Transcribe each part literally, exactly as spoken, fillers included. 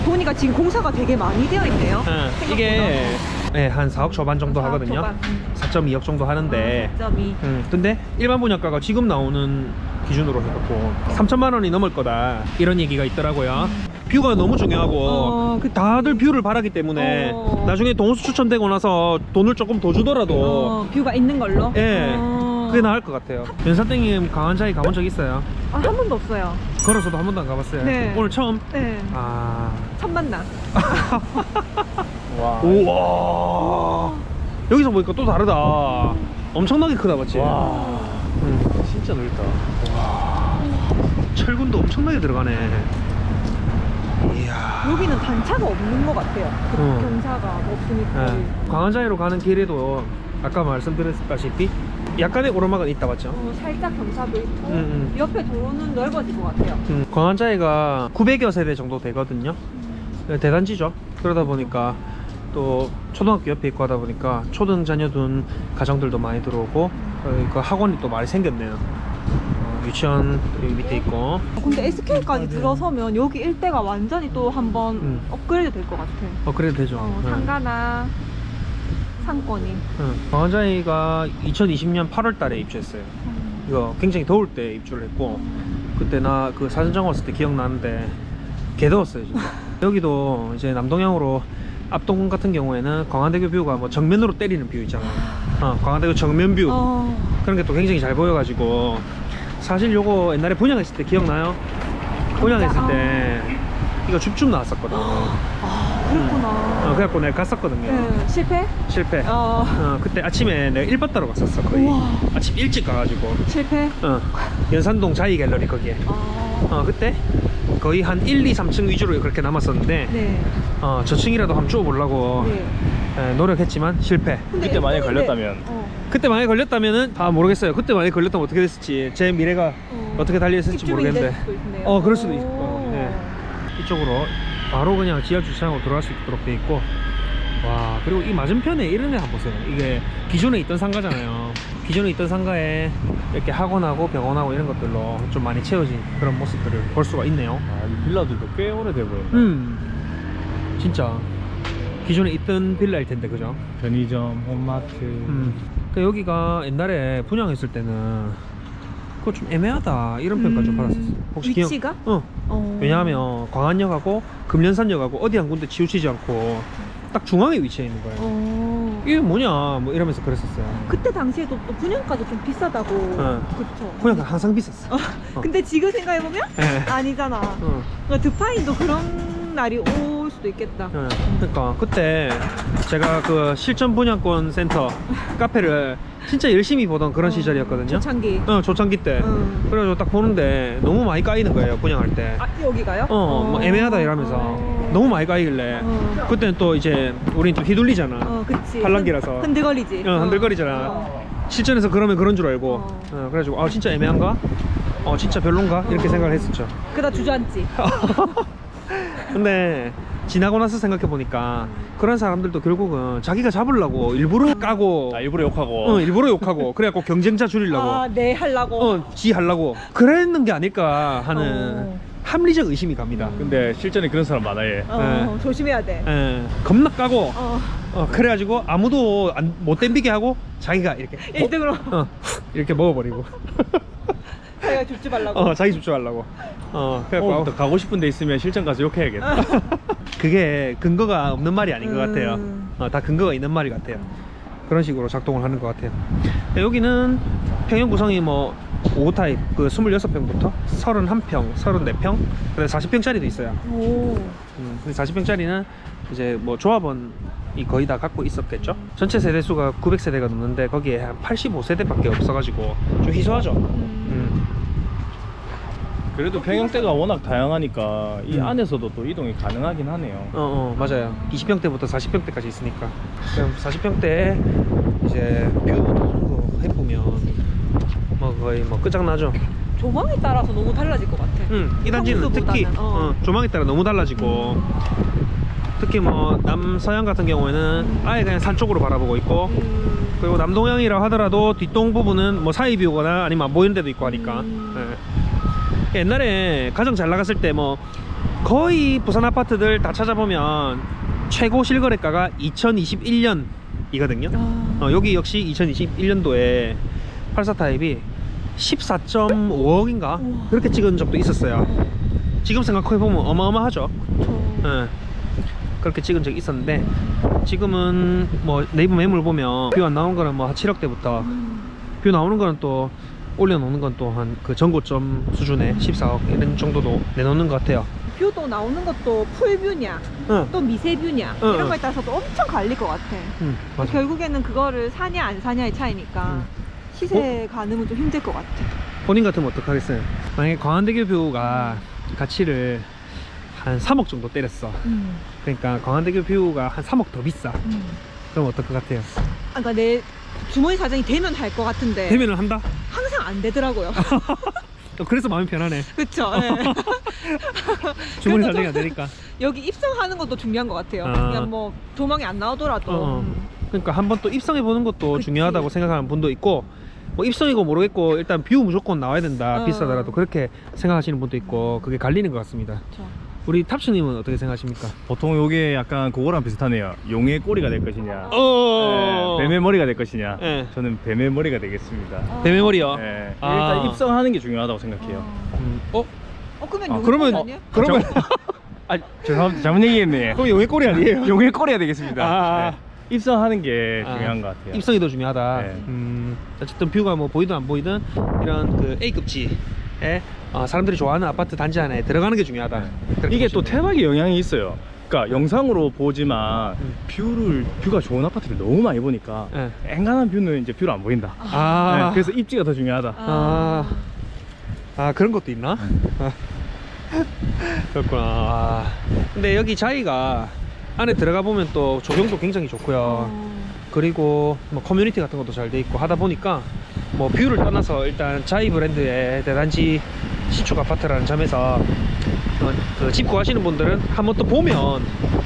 보니까 지금 공사가 되게 많이 되어 있네요. 네, 이게 네, 한 사억 초반 정도 사억 하거든요. 초반. 사 점 이억 정도 하는데 사 점 이. 음, 근데 일반 분양가가 지금 나오는 기준으로 해갖고 삼천만 원이 넘을 거다 이런 얘기가 있더라고요. 뷰가 너무 중요하고 어, 그- 다들 뷰를 바라기 때문에 어. 나중에 동호수 추천되고 나서 돈을 조금 더 주더라도 어, 뷰가 있는 걸로? 예, 어. 그게 나을 것 같아요. 연산땡님 강한자에 가본 적 있어요? 아, 한 번도 없어요. 걸어서도 한 번도 안 가봤어요? 네. 오늘 처음? 네. 아... 첫 만남. 와. 우와, 여기서 보니까 또 다르다. 엄청나게 크다 맞지? 와. 응. 진짜 넓다. 철근도 엄청나게 들어가네. 이야. 여기는 단차가 없는 것 같아요. 그 어. 경사가 없으니까. 네. 광안자리로 가는 길에도 아까 말씀드렸다시피 약간의 오르막은 있다 맞죠? 어, 살짝 경사도 있고 음, 음. 옆에 도로는 넓어질 것 같아요. 음, 광안자리가 구백여 세대 정도 되거든요. 네, 대단지죠. 그러다 보니까 또 초등학교 옆에 있고 하다 보니까 초등 자녀 둔 가정들도 많이 들어오고 어, 그 학원이 또 많이 생겼네요. 어, 유치원 여기 밑에 있고. 근데 에스케이까지 들어서면 여기 일대가 완전히 또 한번 음. 업그레이드 될 것 같아. 어 그래도 되죠. 어, 네. 상가나 상권이. 응. 광안자리가 이천이십 년 팔월 달에 입주했어요. 이거 굉장히 더울 때 입주를 했고 그때 나 그 사진장 왔을 때 기억나는데 개 더웠어요 진짜. 여기도 이제 남동향으로 앞동 같은 경우에는 광안대교 뷰가 뭐 정면으로 때리는 뷰 있잖아. 어, 광안대교 정면 뷰 어. 그런 게 또 굉장히 잘 보여가지고 사실 요거 옛날에 분양했을 때 기억나요? 분양했을 때 이거 줍줍 나왔었거든. 아, 그렇구나. 어, 그래갖고 내가 갔었거든요. 네, 실패? 실패. 어. 어, 그때 아침에 내가 일bat 따러 갔었어 거의. 우와. 아침 일찍 가가지고 실패? 어, 연산동 자이 갤러리 거기에. 아. 어, 그때 거의 한 일, 이, 삼 층 위주로 그렇게 남았었는데 네. 어, 저층이라도 한번 쪼보려고 네. 에, 노력했지만 실패. 근데 그때 만약에 예쁜데- 걸렸다면? 어. 그때 만약에 걸렸다면은 아 모르겠어요. 그때 만약에 걸렸다면 어떻게 됐을지 제 미래가 어. 어떻게 달려있을지 입주민이 모르겠는데 될 수도 있네요. 어 그럴 수도 있고 오. 네. 이쪽으로 바로 그냥 지하 주차장으로 들어갈 수 있도록 돼 있고 와 그리고 이 맞은편에 이런 애 한번 보세요. 이게 기존에 있던 상가잖아요. 기존에 있던 상가에 이렇게 학원하고 병원하고 이런 것들로 좀 많이 채워진 그런 모습들을 볼 수가 있네요. 아, 이 빌라들도 꽤 오래돼 보인다. 음 진짜 기존에 있던 빌라일 텐데 그죠? 편의점, 홈마트. 음 그러니까 여기가 옛날에 분양했을 때는 그거 좀 애매하다 이런 평가 좀 음, 받았었어. 혹시 기억? 위치가? 어. 어. 왜냐하면 광안역하고 금련산역하고 어디 한 군데 치우치지 않고 딱 중앙에 위치해 있는 거예요. 어. 이게 뭐냐 뭐 이러면서 그랬었어요. 그때 당시에도 또 분양가도 좀 비싸다고. 어. 그쵸. 분양가 항상 비쌌어. 어. 근데 지금 생각해보면 예. 아니잖아. 어. 그러니까 드파인도 그런 날이 올 수도 있겠다. 예. 그러니까 그때 제가 그 실전 분양권 센터 카페를 진짜 열심히 보던 그런 어, 시절이었거든요. 초창기. 어 조창기 때. 응. 그래가지고 딱 보는데 너무 많이 까이는 거예요 분양할 때. 아, 여기가요? 어, 뭐 애매하다 이러면서 어. 너무 많이 까이길래 어. 그때는 또 이제 우린 좀 휘둘리잖아. 어, 그치. 팔랑귀라서. 흔- 흔들거리지. 어, 흔들거리잖아. 어. 실전에서 그러면 그런 줄 알고 어. 어, 그래가지고 아 진짜 애매한가? 어 진짜 별론가? 이렇게 어. 생각을 했었죠. 그러다 주저앉지. 근데 지나고 나서 생각해 보니까 그런 사람들도 결국은 자기가 잡으려고 일부러 까고 아, 일부러 욕하고. 어, 일부러 욕하고 그래갖고 경쟁자 줄이려고 아, 네, 하려고. 어, 지 하려고 그랬는 게 아닐까 하는 어. 합리적 의심이 갑니다. 근데 실전에 그런 사람 많아요. 어, 조심해야 돼. 예, 겁나 까고 어. 어, 그래가지고 아무도 안, 못 댐비게 하고 자기가 이렇게 일 등으로 어, 이렇게 먹어버리고 자기가 줍줍하려고. 어, 자기 집중하려고 어, 그래갖고 어, 또 가고 싶은 데 있으면 실전 가서 욕해야겠다. 그게 근거가 없는 말이 아닌 것 같아요. 음. 어, 다 근거가 있는 말이 같아요. 그런 식으로 작동을 하는 것 같아요. 여기는 평형 구성이 뭐 오 타입 그 이십육 평부터 삼십일 평, 삼십사 평, 그다음에 사십 평짜리도 있어요. 오. 음, 근데 사십 평짜리는 이제 뭐 조합원이 거의 다 갖고 있었겠죠. 전체 세대수가 구백 세대가 넘는데 거기에 한 팔십오 세대밖에 없어가지고 좀 희소하죠. 음. 그래도 평형대가 워낙 다양하니까 이 음. 안에서도 또 이동이 가능하긴 하네요. 어, 어 맞아요. 이십 평대부터 사십 평대까지 있으니까. 그럼 사십 평대에 이제 뷰 어느 정도 해보면 뭐 거의 뭐 끝장나죠. 조망에 따라서 너무 달라질 것 같아. 응, 이 단지는 특히 평소보다는, 어. 어, 조망에 따라 너무 달라지고 특히 뭐 남서양 같은 경우에는 아예 그냥 산 쪽으로 바라보고 있고 음. 그리고 남동향이라 하더라도 뒷동 부분은 뭐 사이 뷰거나 아니면 안 보이는 데도 있고 하니까 음. 예. 옛날에 가장 잘 나갔을 때 뭐 거의 부산 아파트들 다 찾아보면 최고 실거래가가 이천이십일 년이거든요. 아. 어, 여기 역시 이천이십일 년도에 팔십사 타입이 십사 점 오억인가 우와. 그렇게 찍은 적도 있었어요. 지금 생각해보면 어마어마하죠. 저... 예. 그렇게 찍은 적이 있었는데 지금은 뭐 네이버 매물 보면 뷰 안 나오는 거는 뭐 한 칠억대부터 음. 뷰 나오는 거는 또 올려놓는 건 또 한 그 전고점 수준의 십사억 이런 정도도 내놓는 것 같아요. 뷰도 나오는 것도 풀뷰냐 응, 또 미세뷰냐 응, 이런 응. 거에 따라서도 엄청 갈릴 것 같아. 응, 맞아. 결국에는 그거를 사냐 안 사냐의 차이니까 응. 시세 가늠은 좀 힘들 것 같아. 본인 같으면 어떡하겠어요? 만약에 광안대교 뷰가 가치를 한 삼억 정도 때렸어. 음. 그러니까 광안대교 뷰가 한 삼억 더 비싸. 음. 그럼 어떨 것 같아요? 아, 그러니까 내 주머니 사정이 되면 할 것 같은데 대면을 한다? 항상 안 되더라고요. 어, 그래서 마음이 편하네. 그쵸? 네. 주머니 그래도 사정이 좀 안 되니까. 여기 입성하는 것도 중요한 것 같아요. 아. 그냥 뭐 도망이 안 나오더라도. 어, 음. 그러니까 한번 또 입성해 보는 것도 그치. 중요하다고 생각하는 분도 있고, 뭐 입성이고 모르겠고 일단 뷰 무조건 나와야 된다. 어. 비싸더라도 그렇게 생각하시는 분도 있고, 그게 갈리는 것 같습니다. 그쵸. 우리 탑스님은 어떻게 생각하십니까? 보통 요게 약간 그거랑 비슷하네요. 용의 꼬리가 될 것이냐, 어. 네, 뱀의 머리가 될 것이냐. 네. 저는 뱀의 머리가 되겠습니다. 아. 뱀의 머리요. 네, 아. 일단 입성하는 게 중요하다고 생각해요. 어, 음, 어? 어 그러면 아, 여기 그러면 아니에요? 그러면 아, 죄송합니다. 잘못 얘기했네. 그럼 용의 꼬리 아니에요? 용의 꼬리가 되겠습니다. 아. 네. 입성하는 게 아, 중요한 것 같아요. 입성이 더 중요하다. 네. 음, 어쨌든 뷰가 뭐 보이든 안 보이든 이런 그 A급지에 어, 사람들이 좋아하는 아파트 단지 안에 들어가는 게 중요하다. 네. 그렇게 이게 또 보시면 돼요. 태막이 영향이 있어요. 그러니까 영상으로 보지만 음. 뷰를 뷰가 좋은 아파트를 너무 많이 보니까 네. 앵간한 뷰는 이제 뷰를 안 보인다. 아, 네, 그래서 입지가 더 중요하다. 아, 아 그런 것도 있나? 아, 그렇구나. 아, 근데 여기 자이가 안에 들어가 보면 또 조경도 굉장히 좋고요. 어. 그리고 뭐 커뮤니티 같은 것도 잘 돼 있고 하다 보니까 뭐 뷰를 떠나서 일단 자이 브랜드의 대단지 신축 아파트라는 점에서 어, 그 집 구하시는 분들은 한번 또 보면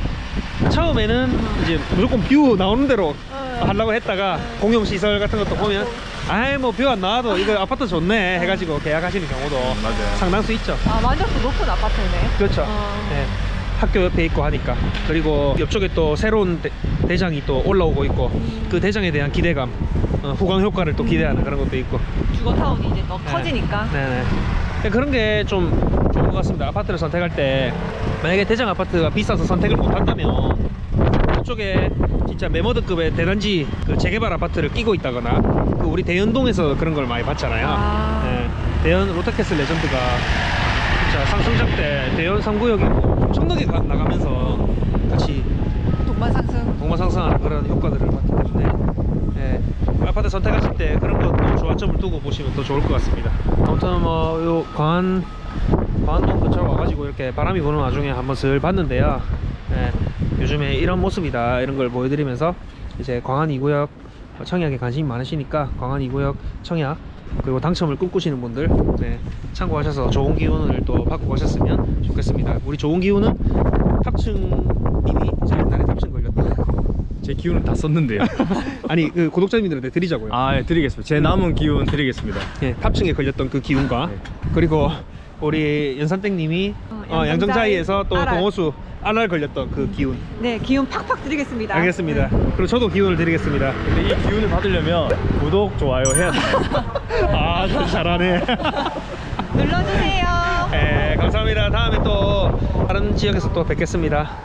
처음에는 이제 무조건 뷰 나오는 대로 하려고 했다가 공용시설 같은 것도 보면 아이 뭐 뷰 안 나와도 이거 아파트 좋네 해가지고 계약하시는 경우도 맞아요. 상당수 있죠. 아 만족도 높은 아파트네. 그렇죠. 어. 네. 학교 옆에 있고 하니까. 그리고 옆쪽에 또 새로운 대, 대장이 또 올라오고 있고 그 대장에 대한 기대감, 어, 후광 효과를 또 기대하는 그런 것도 있고. 주거타운이 이제 더 네. 커지니까. 네네. 네, 그런 게 좀 좋은 것 같습니다. 아파트를 선택할 때 만약에 대장 아파트가 비싸서 선택을 못 한다면 그쪽에 진짜 메모드급의 대단지 그 재개발 아파트를 끼고 있다거나 그 우리 대연동에서 그런 걸 많이 봤잖아요. 아. 네, 대연 로타캐슬 레전드가 진짜 상승장 때 대연 삼 구역이 뭐 엄청나게 가- 나가면서 같이 동반 상승. 동반 상승하는 그런 효과들을 봤기 때문에 예, 아파트 선택하실 때 그런 것도 조화점을 두고 보시면 더 좋을 것 같습니다. 아무튼 뭐 요 광안 광안동 근처로 와가지고 이렇게 바람이 부는 와중에 한번 슬 봤는데요. 예, 요즘에 이런 모습이다 이런 걸 보여드리면서 이제 광안 이 구역 청약에 관심이 많으시니까 광안 이 구역 청약 그리고 당첨을 꿈꾸시는 분들 네, 참고하셔서 좋은 기운을 또 받고 가셨으면 좋겠습니다. 우리 좋은 기운은 탑층님이 이제 옛날에 탑층 걸렸다. 제 기운은 다 썼는데요. 아니 그 구독자님들한테 드리자고요. 아, 예, 드리겠습니다. 제 남은 기운 드리겠습니다. 예, 탑층에 걸렸던 그 기운과 네. 그리고 우리 연산땡님이 어, 어, 양정자이에서 또 알알. 공호수 알알 걸렸던 그 기운. 네, 기운 팍팍 드리겠습니다. 알겠습니다. 네. 그리고 저도 기운을 드리겠습니다. 근데 이 기운을 받으려면 구독, 좋아요 해야 돼요. 아, 진짜 잘하네. 눌러주세요. 네, 감사합니다. 다음에 또 다른 지역에서 또 뵙겠습니다.